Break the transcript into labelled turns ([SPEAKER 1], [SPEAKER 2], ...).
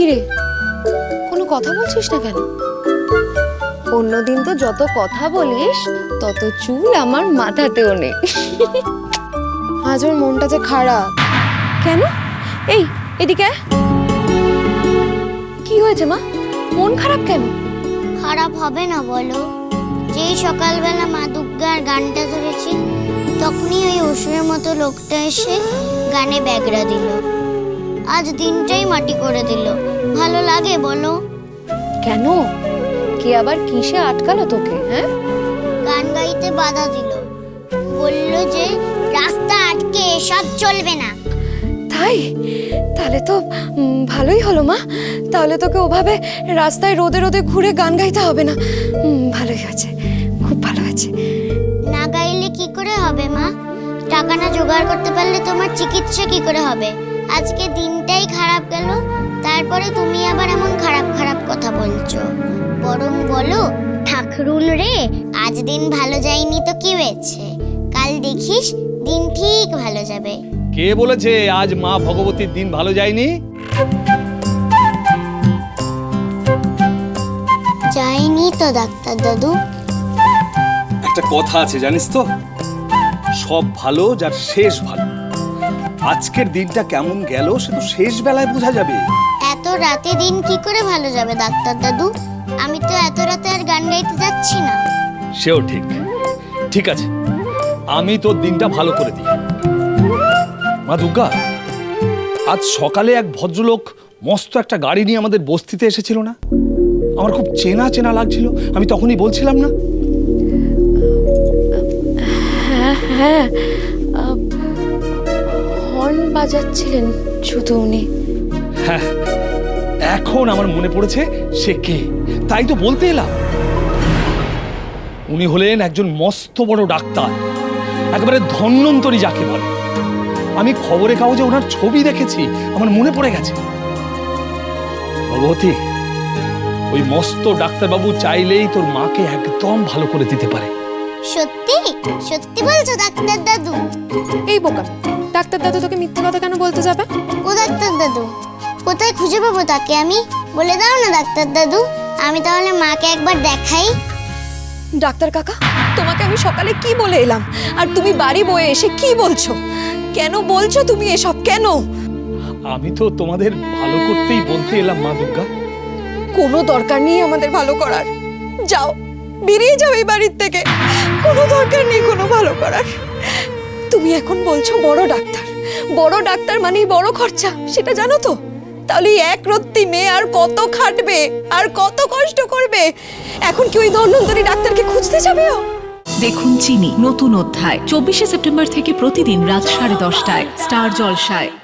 [SPEAKER 1] কিরে, কোনো কথা বলছিস না কেন? অন্যদিন তো যত কথা বলিস তত চুল আমার মাথাতেও নেই। আজ ওর মনটা যে খারাপ। কেন? এই এদিকে আয়। কি হয়েছে মা, মন খারাপ কেন?
[SPEAKER 2] খারাপ হবে না বলো? যেই সকালবেলা মা দুর্গার গানটা ধরেছি তখনই ওই অসুরের মতো লোকটা এসে গানে ব্যাগরা দিল। আজ দিনটাই মাটি করে দিল। ভালো লাগে বলো?
[SPEAKER 1] কেন? কে আবার কিসে আটকালো তোকে? হ্যাঁ,
[SPEAKER 2] গান গাইতে বাধা দিল, বলল যে রাস্তা আটকে এসব চলবে না।
[SPEAKER 1] তাই? তাহলে তো ভালোই হলো মা। তাহলে তোকে ওভাবে রাস্তায় রোদে রোদে ঘুরে গান গাইতে হবে না। ভালোই আছে, খুব ভালো আছে।
[SPEAKER 2] না গাইলে কি করে হবে মা? টাকা না জোগাড় করতে পারলে তোমার চিকিৎসা কি করে হবে? আজকে দিনটাই খারাপ গেল, তারপরে তুমি আবার এমন খারাপ খারাপ কথা বলছো। বরং বলো, ঠাকুরুল রে, আজ দিন ভালো যায়নি তো কি হয়েছে, কাল দেখিস দিন ঠিক ভালো যাবে।
[SPEAKER 3] কে বলেছে আজ মা ভগবতীর দিন ভালো যায়নি?
[SPEAKER 2] যায়নি তো ডাক্তার দাদু।
[SPEAKER 3] একটা কথা আছে জানিস তো, সব ভালো যার শেষ ভালো। আজকের দিনটা কেমন গেল সে তো শেষ বেলায় বোঝা যাবে।
[SPEAKER 2] এত রাতে দিন কি করে ভালো যাবে ডাক্তার দাদু? আমি তো এত রাতে আর গান গাইতে যাচ্ছি না।
[SPEAKER 3] সেও ঠিক। ঠিক আছে, আমি তোর দিনটা ভালো করে দিই। মা দুর্গা, আজ সকালে এক ভদ্রলোক মস্ত একটা গাড়ি নিয়ে আমাদের বস্তিতে এসেছিল না? আমার খুব চেনা চেনা লাগছিল, আমি তখনই বলছিলাম না?
[SPEAKER 1] হ্যাঁ হ্যাঁ, হর্ন বাজাচ্ছিলেন শুধু উনি।
[SPEAKER 3] হ্যাঁ, এখন আমার মনে পড়েছে সে কে, তাই তো বলতে এলাম। উনি হলেন একজন মস্ত বড় ডাক্তার, একেবারে ধন্বন্তরী যাকে বলে। আমি খবরের কাগজে ওনার ছবি দেখেছি, আমার মনে পড়ে গেছে। ভগবতী, ওই মস্ত ডাক্তারবাবু চাইলেই তোর মাকে একদম ভালো করে দিতে পারে।
[SPEAKER 2] সত্যি সত্যি বলছো ডাক্তার দাদু?
[SPEAKER 1] এই বোকা, ডাক্তার দাদু তোকে মিথ্যে কথা কেন বলতে যাবে?
[SPEAKER 2] ও ডাক্তার দাদু, কোথায় খুঁজে পাবো তাকে আমি? বলে দাও না ডাক্তার দাদু, আমি তাহলে মাকে একবার দেখাই।
[SPEAKER 1] ডাক্তার কাকা, তোমাকে আমি সকালে কি বলে এলাম, আর তুমি বাড়ি বয়ে এসে কি বলছো? কেন বলছো তুমি এসব? কেন?
[SPEAKER 3] আমি তো তোমাদের ভালো করতেই বলতে এলাম মা দুর্গা।
[SPEAKER 1] কোনো দরকার নেই আমাদের ভালো করার। যাও, বেরিয়ে যাও এই বাড়ির থেকে। কোনো দরকার নেই কোনো ভালো করার। তুমি এখন বলছো বড় ডাক্তার, বড় ডাক্তার মানেই বড় খরচা, সেটা জানো তো? তাহলে এক রত্তি মেয়ে আর কত খাটবে, আর কত কষ্ট করবে? এখন কি ওই ধন্বন্তরী ডাক্তারকে খুঁজতে যাবে ও?
[SPEAKER 4] দেখুন চিনি নতুন অধ্যায় 24শে সেপ্টেম্বর থেকে প্রতিদিন রাত 10:30টায় স্টার জলসায়।